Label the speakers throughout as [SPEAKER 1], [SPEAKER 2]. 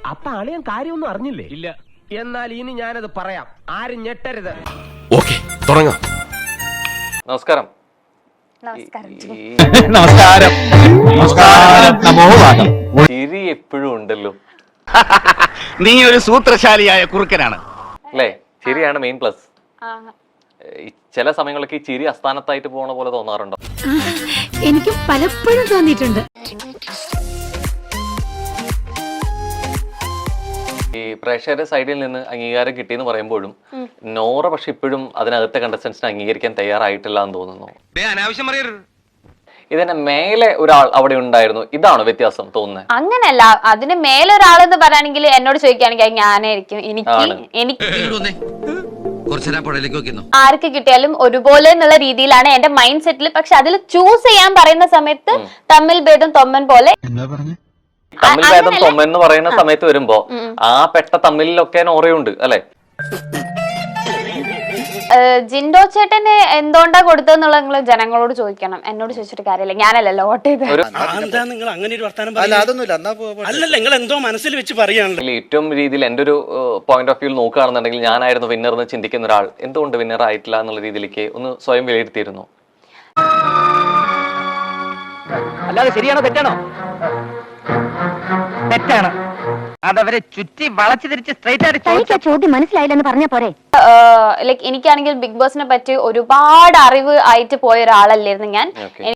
[SPEAKER 1] അപ്പൊ അളിയൻ കാര്യമൊന്നും അറിഞ്ഞില്ലേ? ഇല്ല. എന്നാൽ ഇനി ഞാനത് പറയാം, ആരും ഞെട്ടരുത്.
[SPEAKER 2] ഓക്കേ, തുടങ്ങാം.
[SPEAKER 3] നമസ്കാരം.
[SPEAKER 4] നമസ്കാരം.
[SPEAKER 3] ചിരി എപ്പോഴും ഉണ്ടല്ലോ.
[SPEAKER 4] നീ ഒരു സൂത്രശാലിയായ കുറുക്കനാണ്
[SPEAKER 3] അല്ലേ? ചിരിയാണ് മെയിൻ പ്ലസ്. ചില സമയങ്ങളൊക്കെ ഈ ചിരി അസ്ഥാനത്തായിട്ട് പോണ പോലെ തോന്നാറുണ്ടോ?
[SPEAKER 5] എനിക്ക് പലപ്പോഴും തോന്നിയിട്ടുണ്ട്.
[SPEAKER 3] ഈ പ്രേക്ഷകരുടെ സൈഡിൽ നിന്ന് അംഗീകാരം കിട്ടിയെന്ന് പറയുമ്പോഴും നോറ പക്ഷെ ഇപ്പോഴും അതിനകത്തെ കണ്ടസ്റ്റൻസിനെ അംഗീകരിക്കാൻ തയ്യാറായിട്ടില്ല എന്ന് തോന്നുന്നു.
[SPEAKER 1] അനാവശ്യം പറയരുത്.
[SPEAKER 3] ഇതിന് മേലെ ഒരാൾ അവിടെ ഉണ്ടായിരുന്നു, ഇതാണോ വ്യത്യാസം തോന്നുന്നത്?
[SPEAKER 6] അങ്ങനല്ല, അതിന് മേലൊരാളെന്ന് പറയുകയാണെങ്കിൽ എന്നോട് ചോദിക്കുകയാണെങ്കിൽ ഞാനായിരിക്കും. എനിക്ക് ആർക്ക് കിട്ടിയാലും ഒരുപോലെ എന്നുള്ള രീതിയിലാണ് എന്റെ മൈൻഡ് സെറ്റിൽ. പക്ഷെ അതിൽ ചൂസ് ചെയ്യാൻ പറയുന്ന സമയത്ത് തമ്മിൽ ഭേദം തൊമ്മൻ പോലെ.
[SPEAKER 3] തമ്മിൽ ഭേദം തൊമ്മൻ എന്ന് പറയുന്ന സമയത്ത് വരുമ്പോ ആ പെട്ട തമ്മിലൊക്കെ നോറയുണ്ട് അല്ലെ?
[SPEAKER 6] ജിൻഡോ ചേട്ടന് എന്തുകൊണ്ടാ കൊടുത്തെന്നുള്ള നിങ്ങൾ ജനങ്ങളോട് ചോദിക്കണം, എന്നോട് ചോദിച്ചിട്ട് കാര്യമില്ല. ഞാനല്ലല്ലോ വോട്ട് ചെയ്തത്.
[SPEAKER 3] ഏറ്റവും രീതിയിൽ എന്റെ ഒരു പോയിന്റ് ഓഫ് വ്യൂ നോക്കുകയാണെന്നുണ്ടെങ്കിൽ ഞാനായിരുന്നു വിന്നർ എന്ന് ചിന്തിക്കുന്ന ഒരാൾ എന്തുകൊണ്ട് വിന്നർ ആയിട്ടില്ല എന്നുള്ള രീതിയിലേക്ക് ഒന്ന് സ്വയം വിലയിരുത്തിയിരുന്നു.
[SPEAKER 1] അല്ലാതെ ശരിയാണോ തെറ്റാണോ? തെറ്റാണ്. അതവരെ ചുറ്റി വളച്ചു തിരിച്ച് സ്ട്രൈറ്റ് ആയിട്ട്
[SPEAKER 5] ചോദ്യം മനസ്സിലായില്ലെന്ന് പറഞ്ഞ പോരെ.
[SPEAKER 6] ലൈക്ക് എനിക്കാണെങ്കിൽ ബിഗ് ബോസിനെ പറ്റി ഒരുപാട് അറിവ് ആയിട്ട് പോയ ഒരാളല്ലായിരുന്നു ഞാൻ.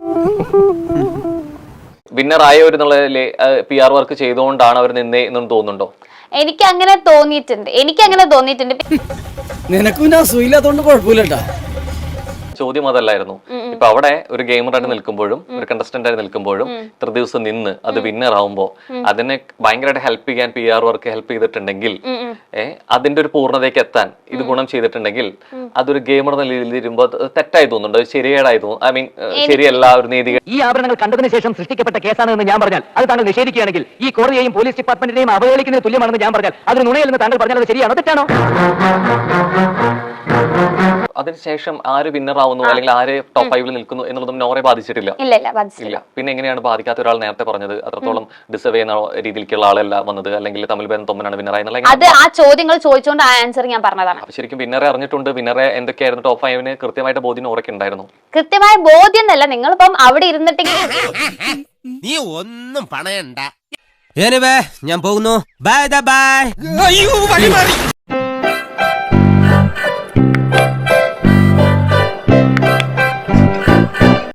[SPEAKER 3] വിന്നർ ആയവരെന്നുള്ള PR വർക്ക് ചെയ്തുകൊണ്ടാണ് അവർ നിന്നേ എന്നും തോന്നുന്നുണ്ടോ?
[SPEAKER 6] എനിക്ക് അങ്ങനെ തോന്നിയിട്ടുണ്ട്.
[SPEAKER 7] നിനക്കും ഞാൻ സുഖമില്ലാത്തോണ്ട് കുഴപ്പമില്ലട്ടാ.
[SPEAKER 3] ചോദ്യം അതല്ലായിരുന്നു. ഇപ്പൊ അവിടെ ഒരു ഗെയിമറായിട്ട് നിൽക്കുമ്പോഴും ഒരു കണ്ടസ്റ്റന്റ് ആയിട്ട് നിൽക്കുമ്പോഴും ഇത്ര ദിവസം നിന്ന് അത് വിന്നർ ആവുമ്പോ അതിനെ ഭയങ്കരമായിട്ട് ഹെൽപ്പ് ചെയ്യാൻ PR വർക്ക് ഹെൽപ്പ് ചെയ്തിട്ടുണ്ടെങ്കിൽ അതിന്റെ ഒരു പൂർണ്ണതയ്ക്ക് എത്താൻ ഇത് ഗുണം ചെയ്തിട്ടുണ്ടെങ്കിൽ അതൊരു ഗെയിമർ എന്ന രീതിയിൽ വരുമ്പോ തെറ്റായി തോന്നുന്നുണ്ട്, ശരിയേടായി തോന്നുന്നു. ഐ മീൻ ശരിയല്ല ഒരു നീതി.
[SPEAKER 1] ഈ ആഭരണങ്ങൾ കണ്ടതിന് ശേഷം സൃഷ്ടിക്കപ്പെട്ട കേസാണെന്ന് ഞാൻ പറഞ്ഞാൽ അത് താങ്കൾ നിഷേധിക്കുകയാണെങ്കിൽ ഈ കോടതിയെയും പോലീസ് ഡിപ്പാർട്ട്മെന്റിനെയും അവഹേളിക്കുന്നതിന് തുല്യമാണെന്ന് ഞാൻ പറഞ്ഞാൽ അതൊരു നുണയല്ലെന്ന് താങ്കൾ പറഞ്ഞാൽ അത് ശരിയാണോ തെറ്റാണോ?
[SPEAKER 3] അതിനുശേഷം ആര് വിന്നർ ആവുന്നു അല്ലെങ്കിൽ ആര് ടോപ്പ് 5 നിൽക്കുന്നു എന്നുള്ളതും നോറെ ബാധിച്ചിട്ടില്ല. ഇല്ല. പിന്നെ എങ്ങനെയാണ് ബാധിക്കാത്ത ഒരാൾ നേരത്തെ പറഞ്ഞത് അത്രത്തോളം ഡിസേർവ് ചെയ്യുന്ന രീതിയിലേക്കുള്ള ആളല്ല വന്നത്, അല്ലെങ്കിൽ തമ്മിൽ ഭേദം തൊമ്മനാണ് വിന്നർ ആയെന്നുള്ള?
[SPEAKER 6] അത് ആ ചോദ്യങ്ങൾ ചോദിച്ചുകൊണ്ട് ആ ആൻസർ ഞാൻ പറഞ്ഞതാണ്.
[SPEAKER 3] അപ്പൊ ശരിക്കും വിന്നറെ അറിഞ്ഞിട്ടുണ്ട്. വിന്നറെ എന്തൊക്കെയായിരുന്നു ടോപ്പ് 5 കൃത്യമായിട്ട് ബോധ്യം നോറയ്ക്ക് ഉണ്ടായിരുന്നു.
[SPEAKER 6] കൃത്യമായ ബോധ്യം എന്നല്ല, നിങ്ങളിപ്പം അവിടെ ഇരുന്നിട്ട്
[SPEAKER 2] നീ ഒന്നും പണയണ്ട. ഞാൻ പോകുന്നു. Bye by.